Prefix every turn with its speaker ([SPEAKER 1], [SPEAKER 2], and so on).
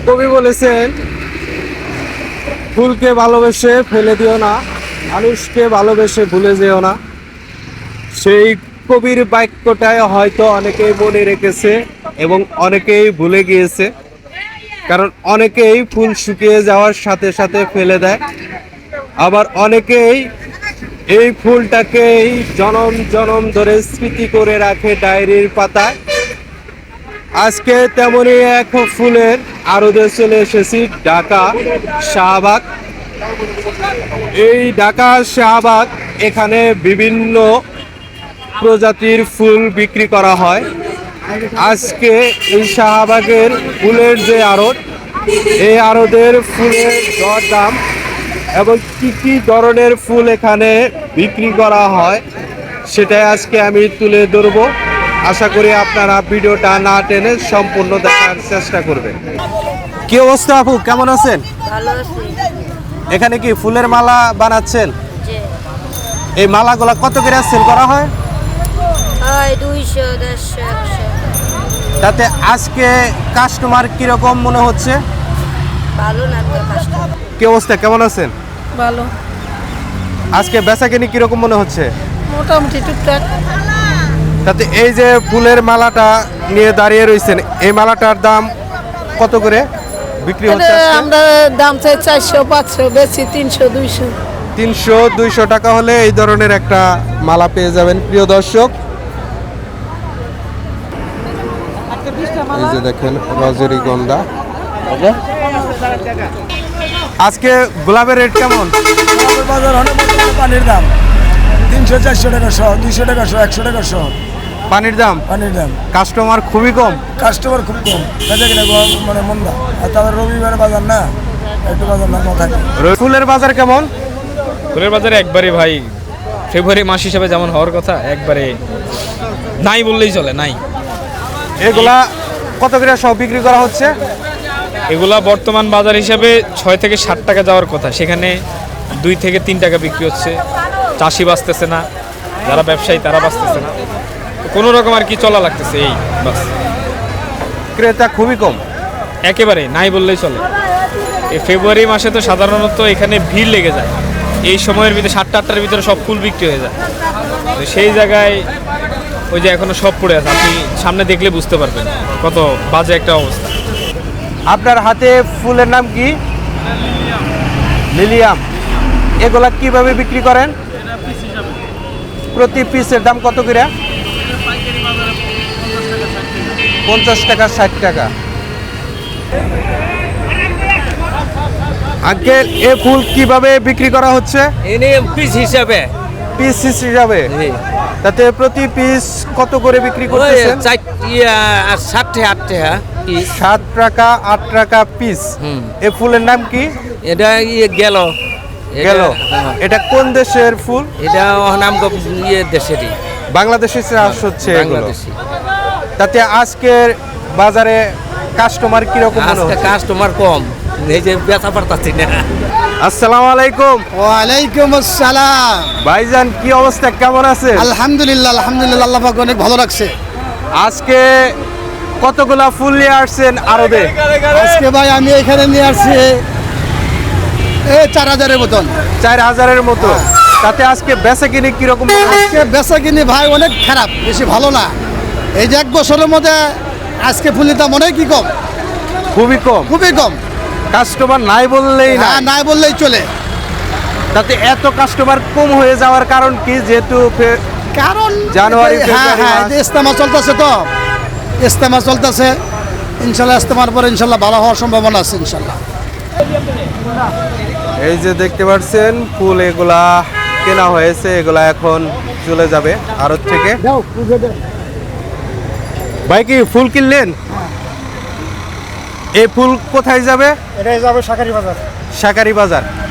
[SPEAKER 1] কবি বলেছেন, ফুলকে ভালোবেসে ফেলে দিও না, মানুষকে ভালোবেসে ভুলে যেও না। সেই কবির বাক্যটায় হয়তো অনেকেই মনে রেখেছে এবং অনেকেই ভুলে গিয়েছে। কারণ অনেকেই ফুল শুকিয়ে যাওয়ার সাথে সাথে ফেলে দেয়, আবার অনেকেই এই ফুলটাকেই জনম জনম ধরে স্মৃতি করে রাখে ডায়েরির পাতায়। আজকে তেমনই এক ফুলের আড়তে চলে এসেছি, ঢাকা শাহবাগ। এই ঢাকা শাহবাগ, এখানে বিভিন্ন প্রজাতির ফুল বিক্রি করা হয়। আজকে এই শাহবাগের ফুলের যে আড়ত, এই আড়তের ফুলের দরদাম এবং কি কি ধরনের ফুল এখানে বিক্রি করা হয় সেটাই আজকে আমি তুলে ধরবো। আশা করি আপনারা ভিডিওটা না টেনে সম্পূর্ণ দেখার চেষ্টা করবেন। কি অবস্থা আপু, কেমন আছেন?
[SPEAKER 2] ভালো আছি।
[SPEAKER 1] এখানে কি ফুলের মালা বানাচ্ছেন?
[SPEAKER 2] জি।
[SPEAKER 1] এই মালাগুলা কত করে সেল করা হয়?
[SPEAKER 2] হয় 200, 150, 100।
[SPEAKER 1] তাতে আজকে কাস্টমার কিরকম মনে হচ্ছে?
[SPEAKER 2] ভালো না তো কাস্টমার।
[SPEAKER 1] কি অবস্থা, কেমন আছেন?
[SPEAKER 2] ভালো।
[SPEAKER 1] আজকে বেচাকেনি কিরকম মনে হচ্ছে?
[SPEAKER 2] মোটামুটি টুকটাক।
[SPEAKER 1] তাতে এই যে ফুলের মালাটা নিয়ে দাঁড়িয়ে রয়েছেন, এই মালাটার দাম কত করে বিক্রি হচ্ছে আজকে?
[SPEAKER 2] আমরা দাম চাই 400, 500, বেশি 300, 200।
[SPEAKER 1] 300-200 টাকা হলে এই ধরনের একটা মালা পেয়ে যাবেন প্রিয় দর্শক। এই যে দেখেন রজনীগন্ধা। আজকে গোলাপের রেট কেমন?
[SPEAKER 3] বাজার হলে পানির দাম 300-400 টাকা শো, 200 টাকা শো, 100 টাকা শো।
[SPEAKER 1] পানির দাম কাস্টমার খুবই কম,
[SPEAKER 3] কাস্টমার খুব কম, বেচা কিনা মানে মন্দা। আর তারপর রবিবার বাজার না, একটু বাজার না থাকে।
[SPEAKER 1] ফুলের বাজার কেমন?
[SPEAKER 4] ফুলের বাজারে একবারে ভাই ফেব্রুয়ারি মাস হিসাবে যেমন হওয়ার কথা একবারে নাই বললেই চলে, নাই।
[SPEAKER 1] এগুলা কত করে সব বিক্রি করা হচ্ছে?
[SPEAKER 4] এগুলা বর্তমান বাজার হিসাবে 6 থেকে 7 টাকা যাওয়ার কথা, সেখানে 2 থেকে 3 টাকা বিক্রি হচ্ছে। চাষি বাঁচতেছে না, যারা ব্যবসায়ী তারা বাঁচতেছে না, কোনো রকম আর কি চলা লাগতেছে, এই বাস।
[SPEAKER 1] ক্রেতা খুবই কম,
[SPEAKER 4] একেবারে নাই বললেই চলে। এই ফেব্রুয়ারি মাসে তো সাধারণত এখানে ভিড় লেগে যায়, এই সময়ের ভিতরে 7টা-8টার ভিতরে সব ফুল বিক্রি হয়ে যায়। তো সেই জায়গায় ওই যে এখনো সব পড়ে আছে, আপনি সামনে দেখলে বুঝতে পারবেন কত বাজে একটা অবস্থা।
[SPEAKER 1] আপনার হাতে ফুলের নাম কি? লিলিয়াম। এগুলা কিভাবে বিক্রি করেন? প্রতি পিসের দাম কত করে? 50 টাকা, 60 টাকা। আঙ্কেল, এ ফুল কিভাবে বিক্রি করা হচ্ছে?
[SPEAKER 5] পিস হিসাবে।
[SPEAKER 1] পিস হিসাবে? তাতে প্রতি পিস কত করে বিক্রি করতেছেন?
[SPEAKER 5] 7 থেকে 8 টাকা পিস।
[SPEAKER 1] 7 টাকা, 8 টাকা পিস। এ ফুলের নাম কি?
[SPEAKER 5] এটা গেল।
[SPEAKER 1] এটা কোন দেশের ফুল?
[SPEAKER 5] এটা নাম দেশেরই,
[SPEAKER 1] বাংলাদেশের চাষ হচ্ছে এগুলো।
[SPEAKER 5] বাংলাদেশি।
[SPEAKER 1] তাতে আজকের বাজারে কাস্টমার কিরকম মনে
[SPEAKER 5] আজকে
[SPEAKER 1] হচ্ছে?
[SPEAKER 5] কাস্টমার কম, এই যে বেচা পারতাছি না।
[SPEAKER 1] আসসালামু আলাইকুম।
[SPEAKER 3] ওয়ালাইকুম আসসালাম।
[SPEAKER 1] ভাইজান, কি অবস্থা, কেমন আছেন?
[SPEAKER 3] আলহামদুলিল্লাহ, আলহামদুলিল্লাহ, আল্লাহ পাক অনেক ভালো রাখছে।
[SPEAKER 1] আজকে কতগুলা ফুল নিয়ে আসছেন আরবে?
[SPEAKER 3] আজকে ভাই আমি এখানে নিয়ে আসছি 4000-এর মতন।
[SPEAKER 1] 4000-এর মতো। তাতে আজকে বেচা কিনে কিরকম মনে হচ্ছে?
[SPEAKER 3] আজকে বেচা কিনি ভাই অনেক খারাপ, বেশি ভালো না। এই যে 1 বছরের মধ্যে আজকে ফুলের দাম অনেক কি কম,
[SPEAKER 1] খুবই কম,
[SPEAKER 3] খুবই কম।
[SPEAKER 1] কাস্টমার নাই বললেই না।
[SPEAKER 3] হ্যাঁ, নাই বললেই চলে।
[SPEAKER 1] তাতে এত কাস্টমার কম হয়ে যাওয়ার কারণ কি? যেহেতু
[SPEAKER 3] কারণ
[SPEAKER 1] জানুয়ারি,
[SPEAKER 3] হ্যাঁ হ্যাঁ,
[SPEAKER 1] ফেব্রুয়ারি
[SPEAKER 3] ইস্তেমা চলতেছে, তো ইস্তেমা চলতেছে। ইনশাল্লাহ ইস্তেমার পরে ইনশাল্লাহ ভালো হওয়ার সম্ভাবনা আছে ইনশাল্লাহ।
[SPEAKER 1] এই যে দেখতে পাচ্ছেন ফুল, এগুলা কেনা হয়েছে, এগুলা এখন চলে যাবে আড়ত থেকে। ভাই, কি ফুল কিনলেন? এই ফুল কোথায় যাবে?
[SPEAKER 3] এটাই যাবে শাকারি বাজার।
[SPEAKER 1] শাকারি বাজার।